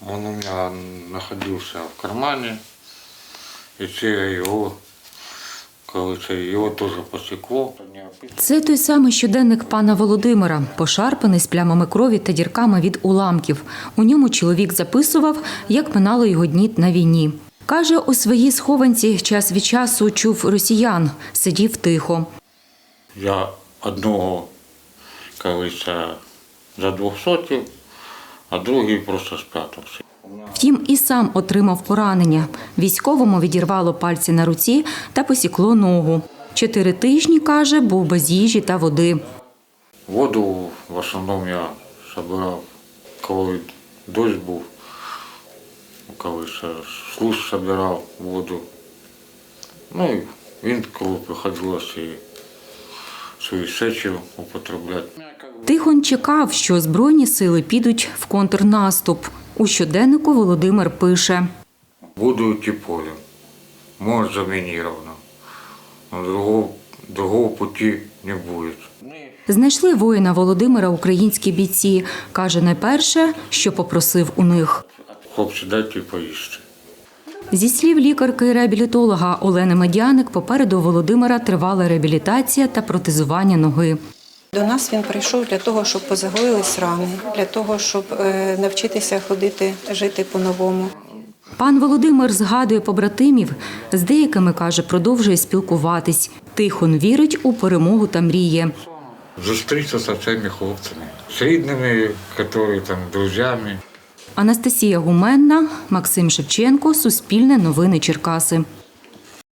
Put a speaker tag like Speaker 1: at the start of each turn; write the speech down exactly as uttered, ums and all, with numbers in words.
Speaker 1: Он у меня находился в кармане, и це його, коли це його теж посікло.
Speaker 2: Це той самий щоденник пана Володимира, пошарпаний з плямами крові та дірками від уламків. У ньому чоловік записував, як минало його дні на війні. Каже, у своїй схованці час від часу чув росіян, сидів тихо.
Speaker 1: Я одного, колись, за двохсотів, а другий просто спрятався.
Speaker 2: Втім, і сам отримав поранення. Військовому відірвало пальці на руці та посікло ногу. Чотири тижні, каже, був без їжі та води.
Speaker 1: Воду в основному я збирав, коли дощ був, коли служ збирав воду. Ну і він, коли приходилося і свої сечі употребляти.
Speaker 2: Тихон чекав, що Збройні сили підуть в контрнаступ. У щоденнику Володимир пише.
Speaker 1: Буду йти полем, може замініровано, но другого, другого пути не буде.
Speaker 2: Знайшли воїна Володимира українські бійці. Каже, найперше, що попросив у них.
Speaker 1: Хлопці, дайте поїсти.
Speaker 2: Зі слів лікарки-реабілітолога Олени Медяник, попереду Володимира тривала реабілітація та протезування ноги.
Speaker 3: До нас він прийшов для того, щоб позагоїлись рани, для того, щоб навчитися ходити, жити по-новому.
Speaker 2: Пан Володимир згадує побратимів, з деякими, каже, продовжує спілкуватись. Тихон вірить у перемогу та мріє.
Speaker 1: Зустрітися з цими хлопцями, з рідними, які там, друзями.
Speaker 2: Анастасія Гуменна, Максим Шевченко, Суспільне новини Черкаси.